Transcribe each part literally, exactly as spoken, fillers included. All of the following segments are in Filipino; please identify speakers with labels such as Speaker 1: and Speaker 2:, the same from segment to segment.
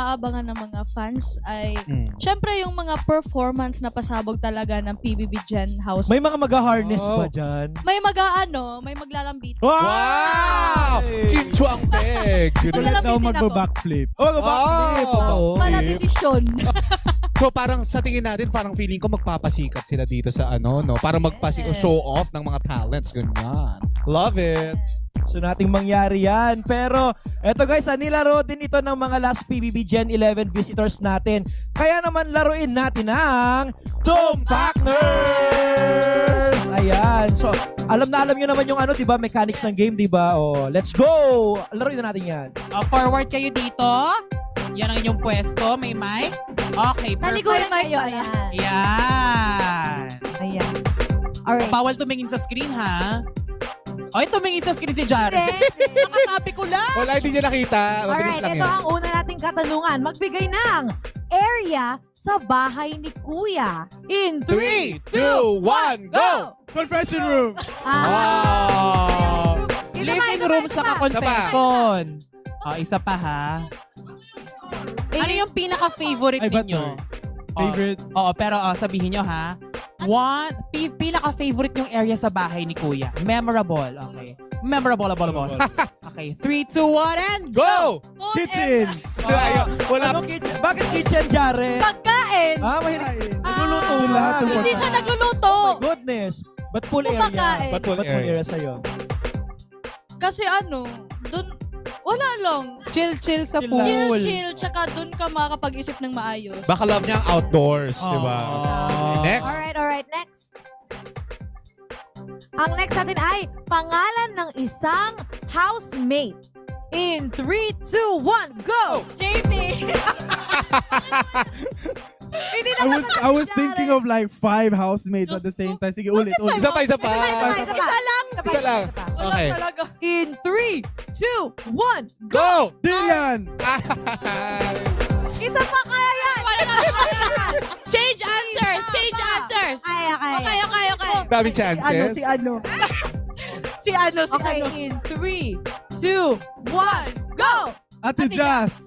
Speaker 1: pinag-aabangan ng mga fans ay,
Speaker 2: Mm.
Speaker 1: syempre yung mga performance na pasabog talaga ng P B B Gen House.
Speaker 3: May mga mag-harness
Speaker 2: Oh.
Speaker 3: ba dyan?
Speaker 1: May mag-aano, may maglalambit.
Speaker 2: Wow! Kim Chuang Peg!
Speaker 1: Wala lang
Speaker 4: daw
Speaker 1: bitin ako.
Speaker 4: magba-backflip.
Speaker 3: Oh, mag-backflip.
Speaker 2: Oh.
Speaker 3: Oo.
Speaker 1: Wala desisyon.
Speaker 2: So parang sa tingin natin, parang feeling ko magpapasikat sila dito sa ano, no? Para magpasi
Speaker 1: Yes.
Speaker 2: show off ng mga talents, ganyan. Love it!
Speaker 3: So nating mangyari yan. Pero eto guys, ah, nilaro din ito ng mga last P B B Gen eleven visitors natin. Kaya naman laruin natin ang Tumpakners! Ayan. So alam na alam nyo naman yung ano, di ba? Mechanics ng game, di ba? Oh, let's go! Laruin na natin yan.
Speaker 5: Uh, forward kayo dito. Yan ang inyong pwesto. May mic. Okay, perfect.
Speaker 6: Naliguan kayo. Ayan.
Speaker 5: Yan.
Speaker 6: Ayan. Alright.
Speaker 5: Bawal tumingin sa screen, ha? Oy, tumingin sa screen si Jared. Nakatabi ko lang.
Speaker 2: Wala, hindi niya nakita. Mabilis
Speaker 6: Alright,
Speaker 2: lang
Speaker 6: ito
Speaker 2: yan.
Speaker 6: ang una nating katanungan. Magbigay ng area sa bahay ni Kuya. In
Speaker 2: three, two, one, go!
Speaker 4: Confession room!
Speaker 6: Ah,
Speaker 2: Oh!
Speaker 6: Isa pa,
Speaker 5: Living
Speaker 6: isa pa,
Speaker 5: room
Speaker 6: isa
Speaker 5: tsaka
Speaker 6: pa.
Speaker 5: confession. Oh, isa pa, ha? Ano yung pinaka-favorite
Speaker 4: Ay, ba't
Speaker 5: ninyo?
Speaker 4: sorry? Favorite?
Speaker 5: Oo, oh, pero oh, sabihin nyo, ha? One, pi- pinaka-favorite yung area sa bahay ni Kuya. Memorable, okay. Memorable, ball, ball. Okay, three, two, one, and
Speaker 2: Go!
Speaker 4: Kitchen!
Speaker 2: Ayaw, wala.
Speaker 3: Anong kitchen? Bakit kitchen, Jared?
Speaker 1: Pagkain!
Speaker 3: Ah, mahilig.
Speaker 4: Nagluluto
Speaker 5: Ah.
Speaker 4: lahat. ng
Speaker 1: Hindi siya
Speaker 4: pagkain.
Speaker 1: nagluluto.
Speaker 3: Oh my goodness. Ba't full area?
Speaker 1: Kumakain.
Speaker 2: Ba't full
Speaker 3: Ba't full
Speaker 2: area?
Speaker 3: area sa'yo?
Speaker 1: Kasi ano, dun, wala lang.
Speaker 5: chill-chill sa
Speaker 3: Chill
Speaker 5: pool.
Speaker 3: lang.
Speaker 1: Chill, chill, tsaka dun ka makakapag-isip ng maayos.
Speaker 2: Baka love niya ang outdoors,
Speaker 5: Oh.
Speaker 2: di ba? Okay, next.
Speaker 6: Alright, alright. Next. Ang next natin ay pangalan ng isang housemate. In three, two, one, go!
Speaker 1: J P!
Speaker 6: Hindi
Speaker 4: I was I was thinking of like five housemates at the same time. Sige, ulit, ulit.
Speaker 2: Isa pa, isa pa.
Speaker 6: Isa pa, isa lang.
Speaker 2: Isa lang. Okay.
Speaker 1: Talaga.
Speaker 6: In three, two, one,
Speaker 2: Go!
Speaker 4: Dylan!
Speaker 6: isa pa kaya yan.
Speaker 1: Change answers! Change answers!
Speaker 6: Kaya, kaya.
Speaker 1: Okay, okay, okay.
Speaker 2: Daming chances.
Speaker 3: ano?
Speaker 1: Si ano, si
Speaker 6: Okay,
Speaker 1: ano.
Speaker 6: in three, two, one, go!
Speaker 4: Ate Jazz!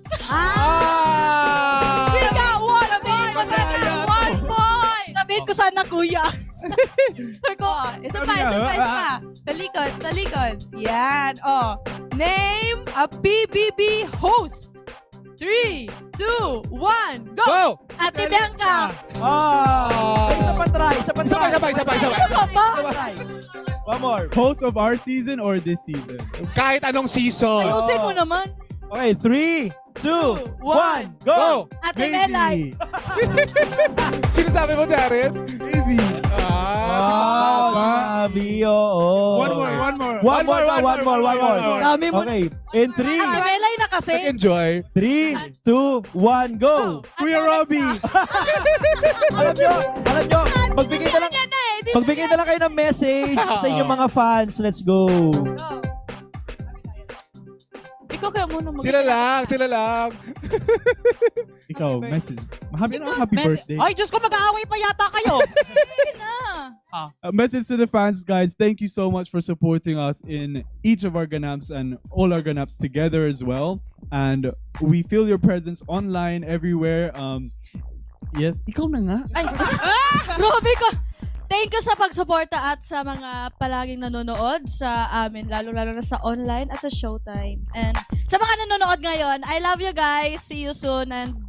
Speaker 6: Ah!
Speaker 2: Ah!
Speaker 1: We got one point!
Speaker 4: Madaya.
Speaker 1: One point! Sabihin ko sana, kuya. Sabi ko, oh, isa pa, isa pa, isa pa. Talikod, talikod. Yan, oh. Name a P B B host. Three, two, one, go!
Speaker 2: Go!
Speaker 1: Ate Bianca!
Speaker 3: Ah! Ay, isa pa try, isa pa
Speaker 2: Isa pa,
Speaker 3: try.
Speaker 2: isa pa, isa pa, isa pa.
Speaker 1: Ano ka ba?
Speaker 3: Isa pa try. One more.
Speaker 4: Host of our season or this season?
Speaker 2: Kahit anong season.
Speaker 1: Ayusin mo naman.
Speaker 3: Okay, three, two, one, go!
Speaker 2: Go!
Speaker 1: Ate Melay.
Speaker 2: Sino sabi mo, Jared?
Speaker 4: Maybe.
Speaker 2: Ah, si
Speaker 3: Ah,
Speaker 2: Papa.
Speaker 3: sabi, oo.
Speaker 4: One more, one more.
Speaker 3: One more, pa, one more, one more.
Speaker 1: Dami mo.
Speaker 3: Okay, in three,
Speaker 1: Ate Melay na kasi.
Speaker 2: Nag-enjoy.
Speaker 3: three, two, one, go!
Speaker 4: Kuya Robbie!
Speaker 3: Alam nyo, alam nyo, magbigay na lang,
Speaker 1: Yan na eh. Di-
Speaker 3: magbigay na lang kayo ng message sa inyong mga fans. Let's go.
Speaker 1: Go. Ikaw kaya muna mag-
Speaker 2: Sila lang, sila lang.
Speaker 4: Ikaw,
Speaker 1: Happy
Speaker 4: message. Happy, happy
Speaker 5: Mes-
Speaker 4: birthday.
Speaker 5: Ay, Diyos ko, mag-aaway pa yata kayo.
Speaker 1: na.
Speaker 4: A message to the fans, guys. Thank you so much for supporting us in each of our ganaps and all our ganaps together as well. And we feel your presence online everywhere. Um, yes, ikaw na nga.
Speaker 1: Ay, grabe ko. Thank you sa pagsuporta at sa mga palaging nanonood sa amin, lalo-lalo na sa online at sa Showtime. And sa mga nanonood ngayon, I love you guys. See you soon and